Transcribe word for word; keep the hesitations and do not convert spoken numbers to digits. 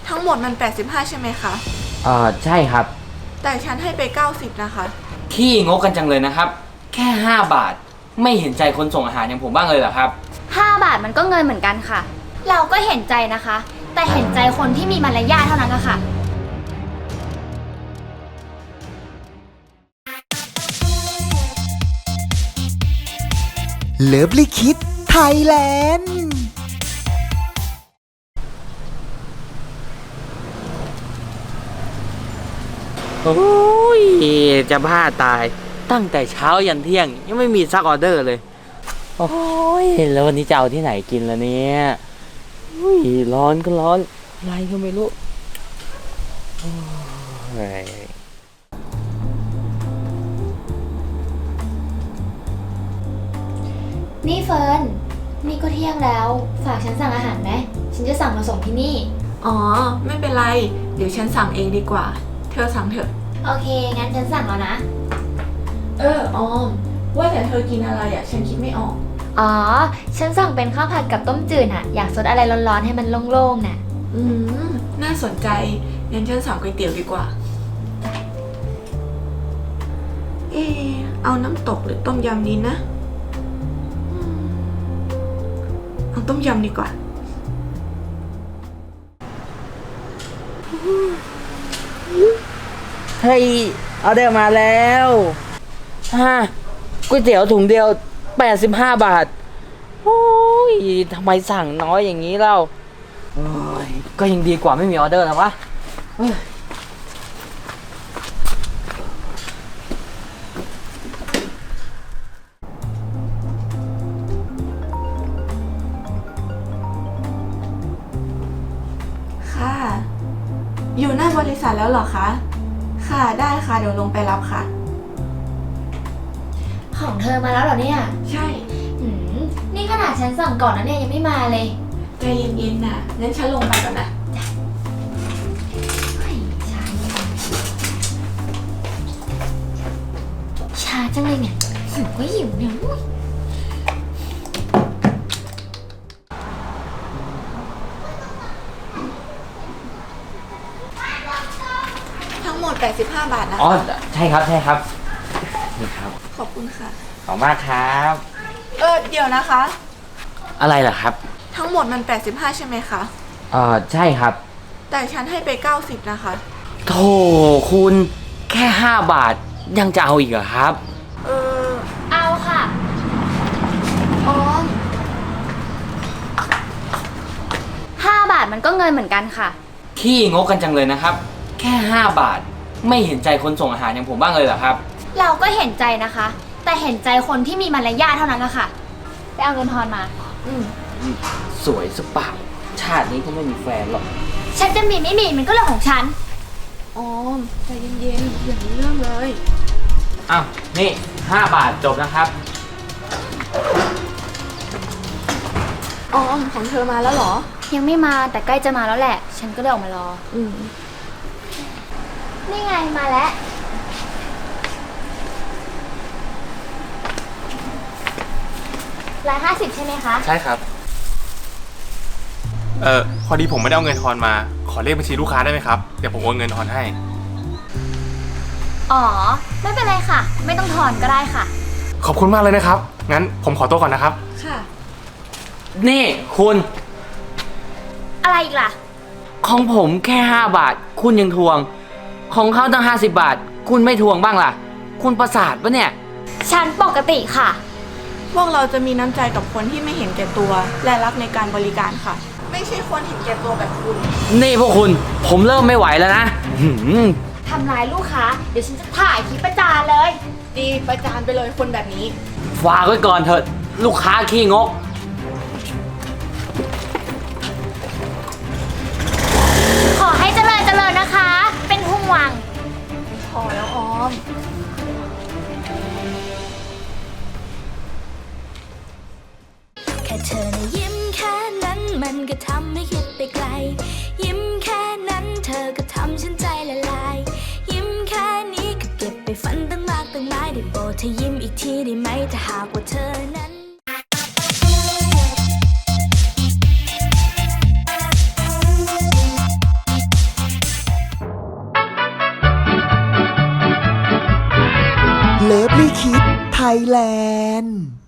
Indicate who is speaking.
Speaker 1: ทั้งหมดมันแปดสิบห้าใช่ไหมคะ
Speaker 2: เอ่อใช่ครับ
Speaker 1: แต่ฉันให้ไปเก้าสิบนะคะ
Speaker 2: ขี้งกกันจังเลยนะครับแค่ห้าบาทไม่เห็นใจคนส่งอาหารอย่างผมบ้างเลยเหรอครับ
Speaker 3: ห้าบาทมันก็เงินเหมือนกันค่ะเราก็เห็นใจนะคะ แต่เห็นใจคนที่มีมารยาทเท่านั้นละค่ะ
Speaker 4: เลิฟลิคิดไทยแลนด์
Speaker 2: โอ้ยจะบ้าตายตั้งแต่เช้ายันเที่ยงยังไม่มีซักออเดอร์เลยโอ้ยแล้ววันนี้จะเอาที่ไหนกินล่ะเนี่ยอุ้ยร้อนก็ร้อนอะไรก็ไม่รู้โอ้ย
Speaker 3: นี่เฟิร์นนี่ก็เที่ยงแล้วฝากฉันสั่งอาหารไหมฉันจะสั่งมาส่งที่นี่
Speaker 1: อ๋อไม่เป็นไรเดี๋ยวฉันสั่งเองดีกว่าเธอสั่งเถอะ
Speaker 3: โอเคงั้นฉันสั่งแล้วนะ
Speaker 1: เออออมว่าแต่เธอกินอะไรอ่ะฉันคิดไม่ออก
Speaker 3: อ๋อฉันสั่งเป็นข้าวผัดกับต้มจืดอะอยากซดอะไรร้อนๆให้มันโล่งๆน่ะ
Speaker 1: อืมน่าสนใจงั้นฉันสั่งก๋วยเตี๋ยวดีกว่าเออเอาน้ำตกหรือต้มยำนี้นะเอาต้มยำดีกว่า
Speaker 2: เฮ้ยออเดอร์มาแล้วฮะก๋วยเตี๋ยวถุงเดียวแปดสิบห้าบาทโอ้ยทำไมสั่งน้อยอย่างนี้เล่าโอ้ยก็ยังดีกว่าไม่มีออเดอร์นะวะ
Speaker 1: ค่ะอยู่หน้าบริษัทแล้วเหรอคะค่ะได้ค่ะเดี๋ยวลงไปรับค่ะ
Speaker 3: ของเธอมาแล้วเหรอเนี่ย
Speaker 1: ใช่
Speaker 3: หืมนี่ขนาดฉันสั่งก่อนนะเนี่ยยังไม่มาเลย
Speaker 1: ใจเย็นๆนะงั้นฉันลงไปก่อนนะ
Speaker 3: ช้าจังเลยเนี่ยหิวก็หิวเนี่ย
Speaker 1: ทั้งหมดแปดสิบห้าบาทนะคะ
Speaker 2: อ๋อใช่ครับใช่ครับนี่ครับ
Speaker 1: ขอบคุณค่ะ
Speaker 2: ขอบมากครับ
Speaker 1: เออเดี๋ยวนะคะ
Speaker 2: อะไรล่ะครับ
Speaker 1: ทั้งหมดมันแปดสิบห้าใช่ไหมคะ
Speaker 2: เอ่อใช่ครับ
Speaker 1: แต่ฉันให้ไปเก้าสิบนะคะ
Speaker 2: โธ่คุณแค่ห้าบาทยังจะเอาอีกเหรอครับ
Speaker 1: เออ
Speaker 3: เอาค่ะ
Speaker 1: อ๋อ
Speaker 3: ห้าบาทมันก็เงินเหมือนกันค่ะ
Speaker 2: ขี้งกกันจังเลยนะครับแค่ห้าบาทไม่เห็นใจคนส่งอาหารอย่างผมบ้างเลยเหรอครับ
Speaker 3: เราก็เห็นใจนะคะ แต่เห็นใจคนที่มีมารยาทเท่านั้นละค่ะไปเอาเงินทอนมา
Speaker 1: อืม
Speaker 2: สวยสปาชาตินี้ก็ไม่มีแฟนหรอก
Speaker 3: ฉันจะมีไม่มีมันก็เรื่องของฉัน
Speaker 1: อ๋อใจเย็นๆอย่ามีเรื่องเลย
Speaker 2: อ้าวนี่ห้าบาทจบนะครับ
Speaker 1: อ๋อของเธอมาแล้วเหรอ
Speaker 3: ยังไม่มาแต่ใกล้จะมาแล้วแหละฉันก็เลยออกมารอ
Speaker 1: อืม
Speaker 3: นี่ไงมาแล้วร้อยห้าสิบใช่ไหมคะ
Speaker 5: ใช่ครับเออพอดีผมไม่ได้เอาเงินทอนมาขอเลขบัญชีลูกค้าได้ไหมครับเดี๋ยวผมโอนเงินทอนให้
Speaker 3: อ๋อไม่เป็นไรค่ะไม่ต้องทอนก็ได้ค่ะ
Speaker 5: ขอบคุณมากเลยนะครับงั้นผมขอตัวก่อนนะครับ
Speaker 1: ค่ะ
Speaker 2: นี่คุณ
Speaker 3: อะไรอีกล่ะ
Speaker 2: ของผมแค่ห้าบาทคุณยังทวงของเขาตั้งห้าสิบบาทคุณไม่ทวงบ้างล่ะคุณประสาทปะเนี่ย
Speaker 3: ฉันปกติค่ะ
Speaker 1: พวกเราจะมีน้ำใจกับคนที่ไม่เห็นแก่ตัวและรักในการบริการค่ะไม่ใช่คนเห็นแก่ตัวแบบคุณ
Speaker 2: นี่พวกคุณผมเริ่มไม่ไหวแล้วนะ
Speaker 3: ทำร้ายลูกค้าเดี๋ยวฉันจะถ่ายคลิปประจานเลย
Speaker 1: ดีประจานไปเลยคนแบบนี้
Speaker 2: ฝากไว้ก่อนเถิดลูกค้าขี้งก
Speaker 3: ขอให้เจริญเจริญนะคะเป็นห่วง
Speaker 1: พอแล้วออม
Speaker 6: แค่เธอนะยิ้มแค่นั้นมันก็ทำให้คิดไปไกลยิ้มแค่นั้นเธอก็ทำฉันใจละลายยิ้มแค่นี้ก็เก็บไปฝันตั้งมากตั้งหลายได้โปรดเธอยิ้มอีกทีได้ไหมถ้าหากว่าเธอนั้น
Speaker 4: เลิฟลี่คิดไทยแลนด์